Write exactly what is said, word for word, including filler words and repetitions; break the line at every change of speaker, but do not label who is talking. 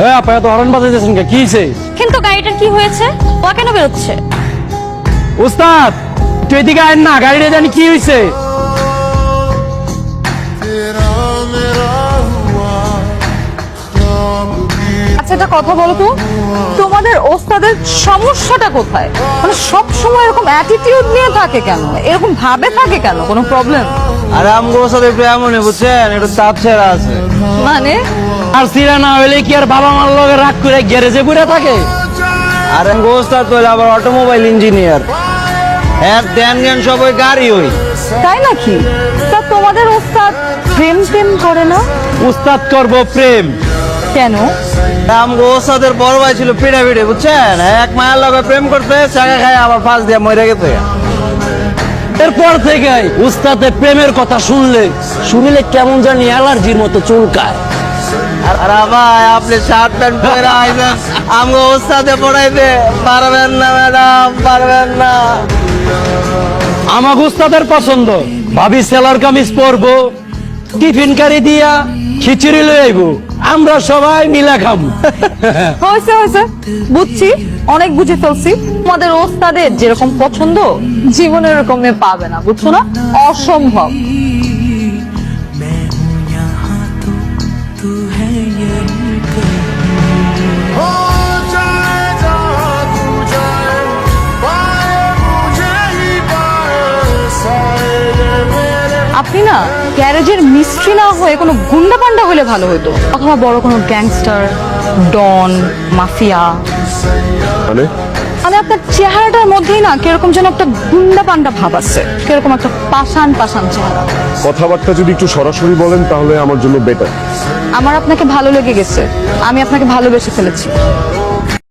হ্যাঁ আপা এত হরন বাজাইতেছেন কে? কি হইছে?
কিন্তু গাড়িটার কি হয়েছে? ও কেন বেরোচ্ছে?
উস্তাদ তুই এদিকে আয় না, গাড়িটা জানি কি হইছে।
আচ্ছা একটা কথা বলো তো, তোমাদের ওস্তাদের সমস্যাটা কোথায়? মানে সব সময় এরকম অ্যাটিটিউড নিয়ে থাকে কেন? এরকম ভাবে থাকে কেন? কোনো প্রবলেম?
আরে আমগোর সাথে একটু এমনই বুঝছেন, একটু চাপ ছেড়া আছে।
মানে
আর সিরা না হইলে কি আর বাবা মার লগে রাগ করে গ্যারেজে ঘুরে থাকে?
আর আমগোর সাথে তো আবার অটোমোবাইল ইঞ্জিনিয়ার, হ্যাঁ ধ্যান জ্ঞান সব ওই গাড়ি ওই।
তাই নাকি? তা তোমাদের ওস্তাদ প্রেম প্রেম করে না
উস্তাদ করবো প্রেম?
কেন?
আমগোর সাথে বড় ভাই ছিল পিড়ে পিড়ে বুঝছেন, এক মায়ের লগে প্রেম করতে চাকা খায় আবার ফাঁস দিয়ে মরে গেছে।
এরপর থেকে উস্তাদে প্রেমের কথা শুনলে শুনলে কেমন জানি অ্যালার্জির মতো চুলকায়।
আর আর ভাই আপনি শার্ট প্যান্ট পরে আইছেন, আমগো ওস্তাদে পড়াইতে পারবেন না ম্যাডাম, পারবেন না।
আমার উস্তাদের পছন্দ ভাবি সেলার কামিজ পরবো, টিফিন কারি দিয়া খিচুড়ি লই আইবো, আমরা সবাই মিলা খাবো।
হয়েছে হয়েছে, বুঝছি, অনেক বুঝে ফেলছি। তোমাদের ওস্তাদের যেরকম পছন্দ জীবনে এরকম মেয়ে পাবে না, বুঝছো না? অসম্ভব। আপনি না গ্যারেজের মিস্ত্রি না হয়ে কোনো গুন্ডা পান্ডা হলে ভালো হতো, অথবা বড় কোনো গ্যাংস্টার, ডন, মাফিয়া।
মানে
মানে আপনার চেহারাটার মধ্যেই না কিরকম যেন একটা গুন্ডা পান্ডা ভাব আছে, কিরকম একটা পাষাণ পাষাণ চেহারা।
কথাবার্তা যদি একটু সরাসরি বলেন তাহলে আমার জন্য বেটার।
আমার আপনাকে ভালো লেগে গেছে, আমি আপনাকে ভালোবেসে ফেলেছি।